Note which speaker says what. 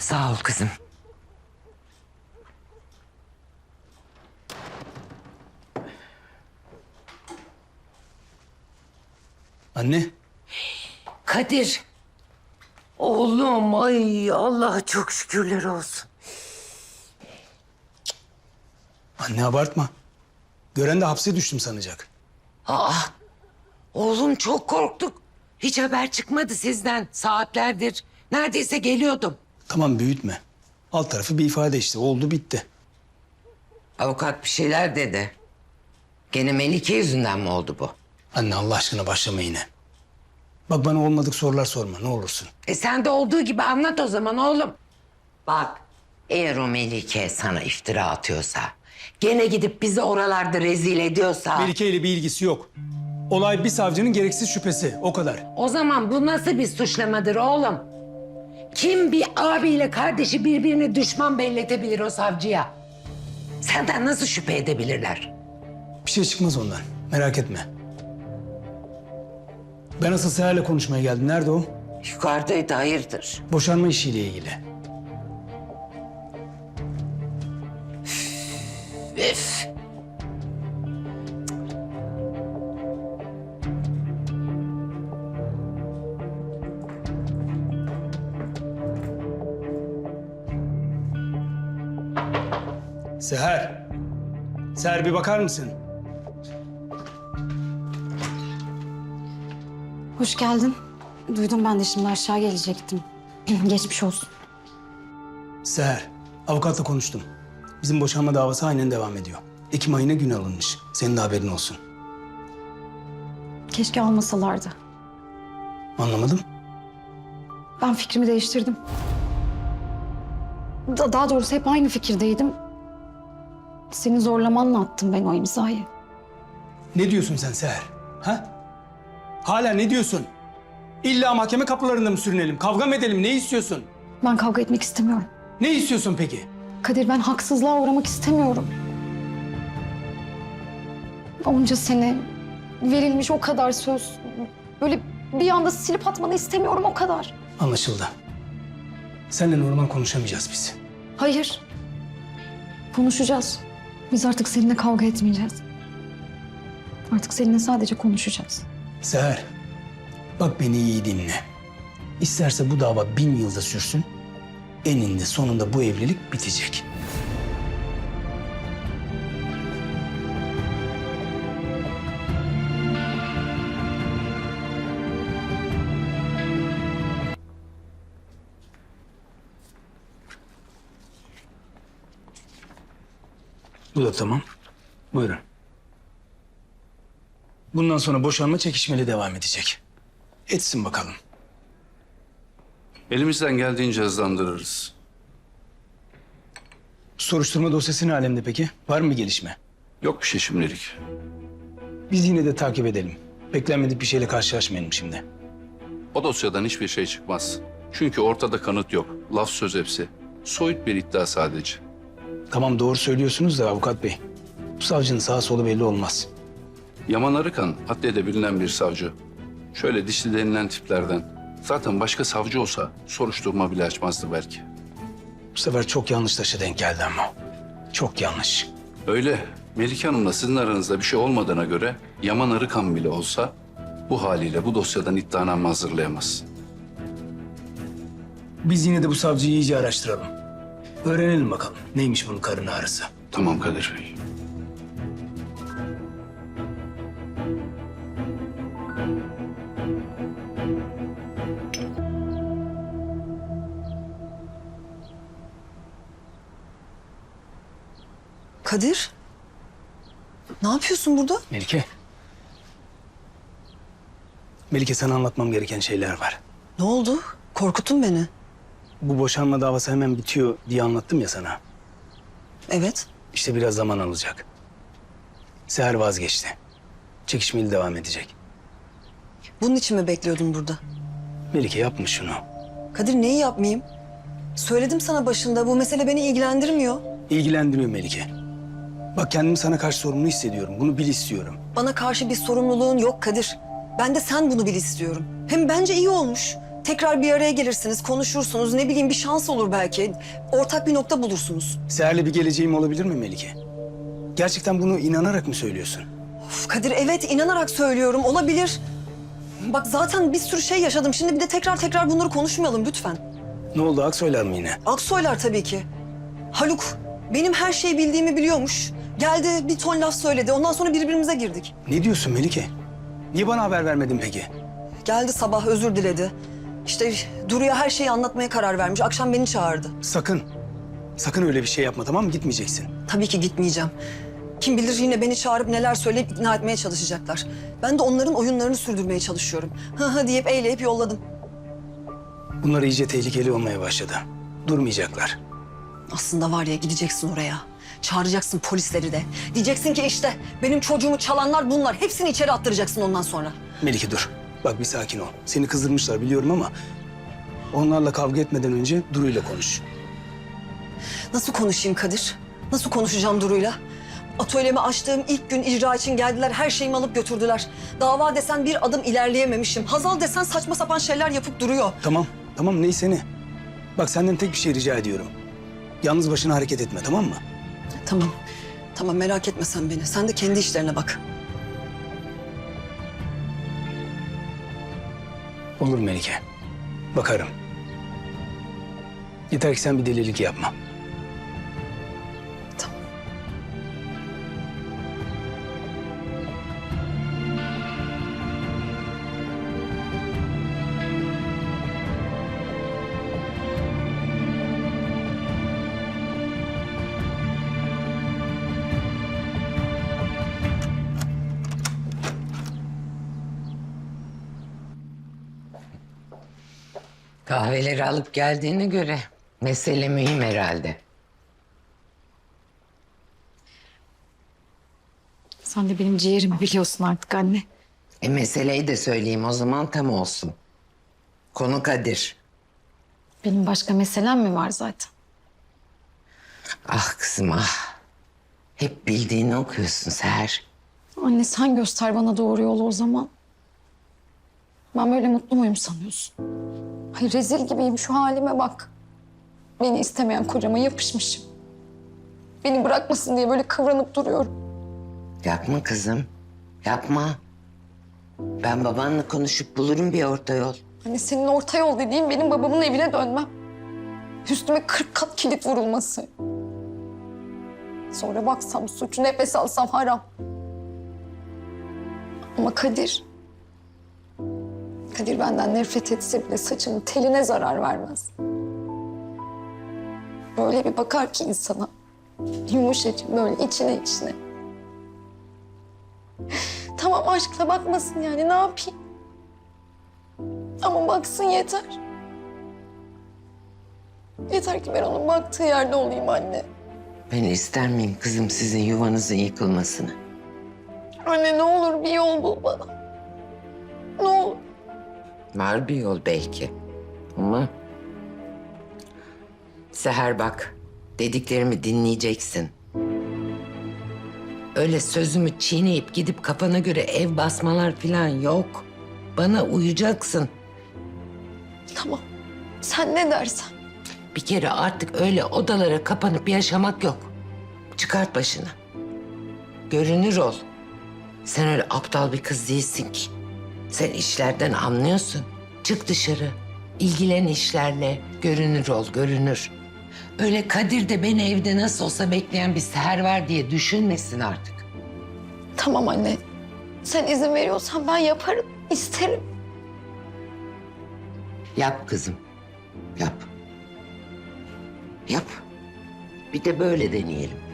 Speaker 1: Sağ ol kızım.
Speaker 2: Anne.
Speaker 1: Kadir. Oğlum, ay Allah'a çok şükürler olsun.
Speaker 2: Anne abartma. Gören de hapse düştüm sanacak.
Speaker 1: Oğlum çok korktuk. Hiç haber çıkmadı sizden saatlerdir. Neredeyse geliyordum.
Speaker 2: Tamam büyütme. Alt tarafı bir ifade işte. Oldu bitti.
Speaker 1: Avukat bir şeyler dedi. Gene Melike yüzünden mi oldu bu?
Speaker 2: Anne Allah aşkına başlama yine. Bak bana olmadık sorular sorma ne olursun.
Speaker 1: Sen de olduğu gibi anlat o zaman oğlum. Bak, eğer o Melike sana iftira atıyorsa, gene gidip bizi oralarda rezil ediyorsa...
Speaker 2: Melike ile bir ilgisi yok. Olay bir savcının gereksiz şüphesi. O kadar.
Speaker 1: O zaman bu nasıl bir suçlamadır oğlum? Kim bir abiyle kardeşi birbirine düşman belletebilir o savcıya? Senden nasıl şüphe edebilirler?
Speaker 2: Bir şey çıkmaz ondan. Merak etme. Ben asıl Seher'le konuşmaya geldim. Nerede o?
Speaker 1: Yukarıdaydı, hayırdır?
Speaker 2: Boşanma işiyle ilgili.
Speaker 1: Üf!
Speaker 2: Seher. Seher bir bakar mısın?
Speaker 3: Hoş geldin. Duydum ben de şimdi aşağı gelecektim. Geçmiş olsun.
Speaker 2: Seher. Avukatla konuştum. Bizim boşanma davası aynen devam ediyor. Ekim ayına gün alınmış. Senin de haberin olsun.
Speaker 3: Keşke almasalardı.
Speaker 2: Anlamadım.
Speaker 3: Ben fikrimi değiştirdim. Daha doğrusu hep aynı fikirdeydim. Seni zorlamanla attım ben o imzayı.
Speaker 2: Ne diyorsun sen Seher? Ha? Hala ne diyorsun? İlla mahkeme kapılarında mı sürünelim? Kavga mı edelim? Ne istiyorsun?
Speaker 3: Ben kavga etmek istemiyorum.
Speaker 2: Ne istiyorsun peki?
Speaker 3: Kadir, ben haksızlığa uğramak istemiyorum. Onca sene verilmiş o kadar söz. Böyle bir anda silip atmanı istemiyorum, o kadar.
Speaker 2: Anlaşıldı. Seninle normal konuşamayacağız biz.
Speaker 3: Hayır. Konuşacağız. Biz artık seninle kavga etmeyeceğiz. Artık seninle sadece konuşacağız.
Speaker 2: Seher, bak beni iyi dinle. İsterse bu dava 1000 yılda sürsün, eninde sonunda bu evlilik bitecek. Bu da tamam. Buyurun. Bundan sonra boşanma çekişmeli devam edecek. Etsin bakalım.
Speaker 4: Elimizden geldiğince hızlandırırız.
Speaker 2: Soruşturma dosyası ne alemde peki? Var mı bir gelişme?
Speaker 4: Yok bir şey şimdilik.
Speaker 2: Biz yine de takip edelim. Beklenmedik bir şeyle karşılaşmayalım şimdi.
Speaker 4: O dosyadan hiçbir şey çıkmaz. Çünkü ortada kanıt yok. Laf söz hepsi. Soyut bir iddia sadece.
Speaker 2: Tamam doğru söylüyorsunuz da avukat bey. Bu savcının sağa solu belli olmaz.
Speaker 4: Yaman Arıkan adliyede bilinen bir savcı. Şöyle dişli denilen tiplerden. Zaten başka savcı olsa soruşturma bile açmazdı belki.
Speaker 2: Bu sefer çok yanlış taşa denk geldi ama. Çok yanlış.
Speaker 4: Öyle. Melike Hanım'la sizin aranızda bir şey olmadığına göre Yaman Arıkan bile olsa bu haliyle bu dosyadan iddianame hazırlayamaz.
Speaker 2: Biz yine de bu savcıyı iyice araştıralım. Öğrenelim bakalım neymiş bunun karın ağrısı.
Speaker 4: Tamam Kadir Bey.
Speaker 5: Kadir, ne yapıyorsun burada?
Speaker 2: Melike. Melike sana anlatmam gereken şeyler var.
Speaker 5: Ne oldu? Korkuttun beni.
Speaker 2: Bu boşanma davası hemen bitiyor diye anlattım ya sana.
Speaker 5: Evet.
Speaker 2: İşte biraz zaman alacak. Seher vazgeçti. Çekişmeli devam edecek.
Speaker 5: Bunun için mi bekliyordun burada?
Speaker 2: Melike yapma şunu.
Speaker 5: Kadir, neyi yapmayayım? Söyledim sana başında, bu mesele beni ilgilendirmiyor.
Speaker 2: İlgilendiriyor Melike. Bak kendimi sana karşı sorumlu hissediyorum. Bunu bil istiyorum.
Speaker 5: Bana karşı bir sorumluluğun yok Kadir. Ben de sen bunu bil istiyorum. Hem bence iyi olmuş. Tekrar bir araya gelirsiniz, konuşursunuz. Ne bileyim bir şans olur belki. Ortak bir nokta bulursunuz.
Speaker 2: Seher'le bir geleceğim olabilir mi Melike? Gerçekten bunu inanarak mı söylüyorsun?
Speaker 5: Of Kadir, evet inanarak söylüyorum. Olabilir. Bak zaten bir sürü şey yaşadım. Şimdi bir de tekrar bunları konuşmayalım lütfen.
Speaker 2: Ne oldu, Aksoylar mı yine?
Speaker 5: Aksoylar tabii ki. Haluk benim her şeyi bildiğimi biliyormuş. Geldi bir ton laf söyledi. Ondan sonra birbirimize girdik.
Speaker 2: Ne diyorsun Melike? Niye bana haber vermedin peki?
Speaker 5: Geldi sabah özür diledi. İşte Duru'ya her şeyi anlatmaya karar vermiş. Akşam beni çağırdı.
Speaker 2: Sakın öyle bir şey yapma, tamam mı? Gitmeyeceksin.
Speaker 5: Tabii ki gitmeyeceğim. Kim bilir yine beni çağırıp neler söyleyip ikna etmeye çalışacaklar. Ben de onların oyunlarını sürdürmeye çalışıyorum. Hı deyip eyleyip yolladım.
Speaker 2: Bunlar iyice tehlikeli olmaya başladı. Durmayacaklar.
Speaker 5: Aslında var ya gideceksin oraya. Çağıracaksın polisleri de. Diyeceksin ki işte benim çocuğumu çalanlar bunlar. Hepsini içeri attıracaksın ondan sonra.
Speaker 2: Melike dur. Bak bir sakin ol. Seni kızdırmışlar biliyorum ama... onlarla kavga etmeden önce Duru'yla konuş.
Speaker 5: Nasıl konuşayım Kadir? Nasıl konuşacağım Duru'yla? Atölyemi açtığım ilk gün icra için geldiler. Her şeyimi alıp götürdüler. Dava desen bir adım ilerleyememişim. Hazal desen saçma sapan şeyler yapıp duruyor.
Speaker 2: Tamam neyse ne. Bak senden tek bir şey rica ediyorum. Yalnız başına hareket etme, tamam mı?
Speaker 5: Tamam merak etme sen beni. Sen de kendi işlerine bak.
Speaker 2: Olur Melike. Bakarım. Yeter ki sen bir delilik yapma.
Speaker 5: Tamam.
Speaker 1: Kahveleri alıp geldiğine göre mesele mühim herhalde.
Speaker 3: Sen de benim ciğerimi biliyorsun artık anne.
Speaker 1: Meseleyi de söyleyeyim o zaman tam olsun. Konu Kadir.
Speaker 3: Benim başka meselem mi var zaten?
Speaker 1: Ah kızım ah. Hep bildiğini okuyorsun Seher.
Speaker 3: Anne sen göster bana doğru yolu o zaman. Ben böyle mutlu muyum sanıyorsun? Hayır rezil gibiyim şu halime bak. Beni istemeyen kocama yapışmışım. Beni bırakmasın diye böyle kıvranıp duruyorum.
Speaker 1: Yapma kızım. Yapma. Ben babanla konuşup bulurum bir orta yol.
Speaker 3: Hani senin orta yol dediğin benim babamın evine dönmem. Üstüme 40 kat kilit vurulması. Sonra baksam suç, nefes alsam haram. Ama Kadir benden nefret etse bile saçımın teline zarar vermez. Böyle bir bakar ki insana. Yumuşacık böyle içine. Tamam aşkla bakmasın yani ne yapayım? Ama baksın yeter. Yeter ki ben onun baktığı yerde olayım anne.
Speaker 1: Ben ister miyim kızım sizin yuvanızın yıkılmasını?
Speaker 3: Anne ne olur bir yol bul bana. Ne olur.
Speaker 1: Var bir yol belki. Ama... Seher bak, dediklerimi dinleyeceksin. Öyle sözümü çiğneyip gidip kafana göre ev basmalar falan yok. Bana uyacaksın.
Speaker 3: Tamam. Sen ne dersen.
Speaker 1: Bir kere artık öyle odalara kapanıp yaşamak yok. Çıkart başını. Görünür ol. Sen öyle aptal bir kız değilsin ki. Sen işlerden anlıyorsun. Çık dışarı. İlgilen işlerle. Görünür ol, görünür. Öyle Kadir de beni evde nasıl olsa bekleyen bir Seher var diye düşünmesin artık.
Speaker 3: Tamam anne. Sen izin veriyorsan ben yaparım. İsterim.
Speaker 1: Yap kızım. Yap. Yap. Bir de böyle deneyelim.